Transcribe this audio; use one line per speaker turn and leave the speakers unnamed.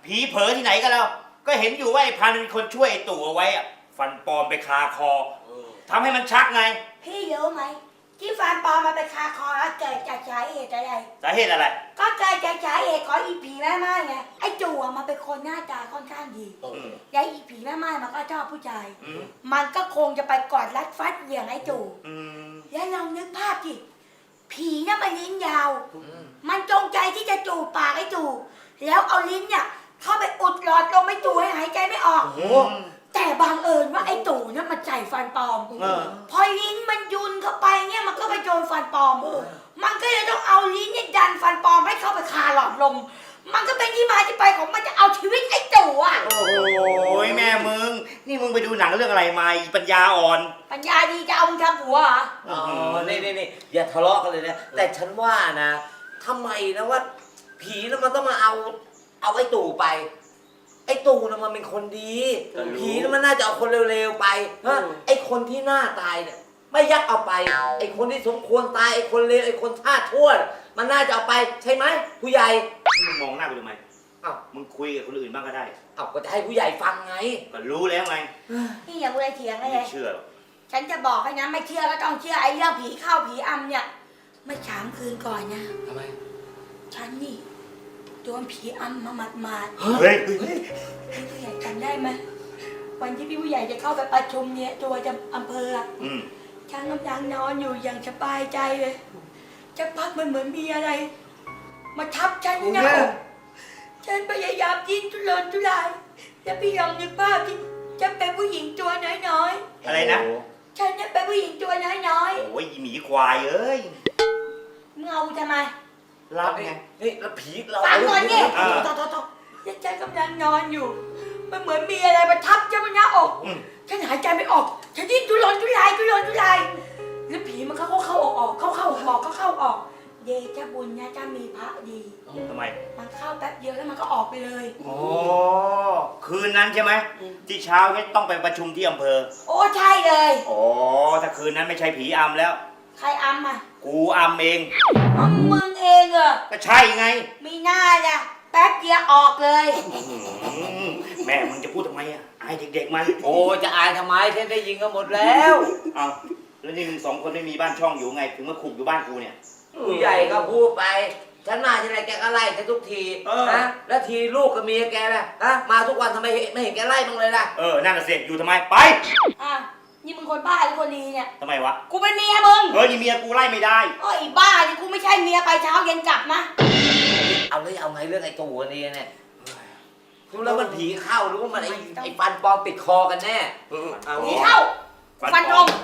ผีเผลอที่ไหนกันแล้วก็เห็นอยู่ว่าไอ้พันเป็นคนช่วยไอ้ตู่เอาไว้อะฟันปลอมไปคาคอทำให้มันชักไง
พี่รู้ไหมที่ฟันปลอมมาไปคาคอแล้วเกิดจากสาเหตุอะไร
สาเหตุอะไร
ก็เกิดจากสาเหตุของอีผีแม่ไม้ไงไอ้จู่มันเป็นคนหน้าตาค่อนข้างดีแล้วอีผีแม่ไม้มันก็ชอบผู้ชายมันก็คงจะไปกอดรัดฟัดเหวี่ยงไอ้จู่แล้วลองนึกภาพดิผีเนี่ยมันลิ้นยาวมันจงใจที่จะจูบปากไอ้จู่แล้วเอาลิ้นเนี่ยเข้าไปอุดหลอดลมไอ้จู่ให้หายใจไม่ออกแต่บังเอิญว่าไอ้ตู่เนี่ยมันใส่ฟันปลอมพอลิ้นมันยุนเข้าไปเนี่ยมันก็ไปโดนฟันปลอมมันก็เลยต้องเอาลิ้นเนี่ยดันฟันปลอมให้เข้าไปคาหลอดลมมันก็เป็นที่มาที่ไปของมันจะเอาชีวิตไอ้ตู่อ่ะ
โอ้ยแม่มึงนี่มึงไปดูหนังเรื่องอะไรมาปัญญาอ่อน
ปัญญาดีจะเอามึงทำหัวเหรอ
นี่อย่าทะเลาะกันเลยนะแต่ฉันว่านะทำไมนะว่าผีแล้วมันต้องมาเอาไอ้ตู่ไปไอ้ตู่น่ะมันเป็นคนดีผีน่ะมันน่าจะเอาคนเร็วๆไปไอ้คนที่หน้าตายเนี่ยไม่ยักเอาไปไอ้คนที่สมควรตายไอ้คนเลวไอ้คนท่าทั่วมันน่าจะเอาไปใช่ไหมผู้ใหญ่
มึงมองหน้ากูทำไมมึงคุยกับคนอื่นบ้างก็ได้
ก็จะให้ผู้ใหญ่ฟังไง
ก็รู้แล้วไง
นี่อย่าพูดอะไรเถียงเลย
ไม่เชื่อหรอก
ฉันจะบอกให้นะไม่เชื่อก็ต้องเชื่อไอ้เรื่องผีเข้าผีอำเนี่ยไม่ช้างคืนก่อนนะ
ทำไม
ฉันนี่โดนผีอำมาหมาด
เฮ้ย
พี่ผู้ใหญ่จำได้ไหมวันที่พี่ผู้ใหญ่จะเข้าไปประชุมเนี่ยตัวจะอำเภอฉันกำลังนอนอยู่อย่างสบายใจเลยจะพักมันเหมือนมีอะไรมาทับฉันนะฉันพยายามดิ้นทุรนทุรายแล้วพี่ลองนึกภาพที่จะเป็นผู้หญิงตัวน้อย
ๆอะไรนะ
ฉันจะเป็นผู้หญิงตัวน้อย
ๆโอ้ยหมีควายเอ้ย
มึงเอาทำไม
รับไง
นี่แล้วผีเรา
ฟังก่อนนี่แล้วฉันกำลังนอนอยู่มันเหมือนมีอะไรมาทับฉันบนหน้าอกฉันหายใจไม่ออกฉันดิ้นทุรนทุรายแล้วผีมันเข้าออกเข้าออกเดชะบุญนะจะมีพระดี
ทำไม
มันเข้าแป๊บเดียวแล้วมันก็ออกไปเลย
โอ้คืนนั้นใช่ไหมที่เช้าเนี่ยต้องไปประชุมที่อำเภอ
โอ้ใช่เลย
โอ้ถ้าคืนนั้นไม่ใช่ผีอำแล้ว
ใครอำอ่ะ
กูอำเอง
มึงเองเหรอ
ก็ใช่ไง
มีหน้าจ้ะแป๊บเดียวออกเลย
แม่มึงจะพูดทำไมอ่ะอายเด็กๆมัน
โอ้จะอายทำไมฉันได้ยินกันหมดแล้ว
เอาแล้วนี่มึงสองคนไม่มีบ้านช่องอยู่ไงถึงมาขุกอยู่บ้านกูเนี่ย
ผู้ใหญ่ก็พูดไปฉันมาที่ไหนแกก็ไล่ฉันทุกทีนะแล้วทีลูกกับเมียแกล่ะมาทุกวันทำไมไม่เห็นแกไล่บ้างเลยล่ะ
นั่นน่ะเสร็จอยู่ทำไมไป
นี่มึงคนบ้าหรือคนดีเนี่ย
ทำไมวะ
กูเป็นเมียมึง
นี่เมียกูไล่ไม่ได้
ไอ้บ้านี่กูไม่ใช่เมียไปเช้าเย็นกลับนะ
เอาไงเรื่องไอ้ตัวนี้เนี่ยรู้แล้วมันผีเข้าหรือว่ามันไอ้ฟันปลอมปิดคอกันแน่
ผีเข้าฟันตรง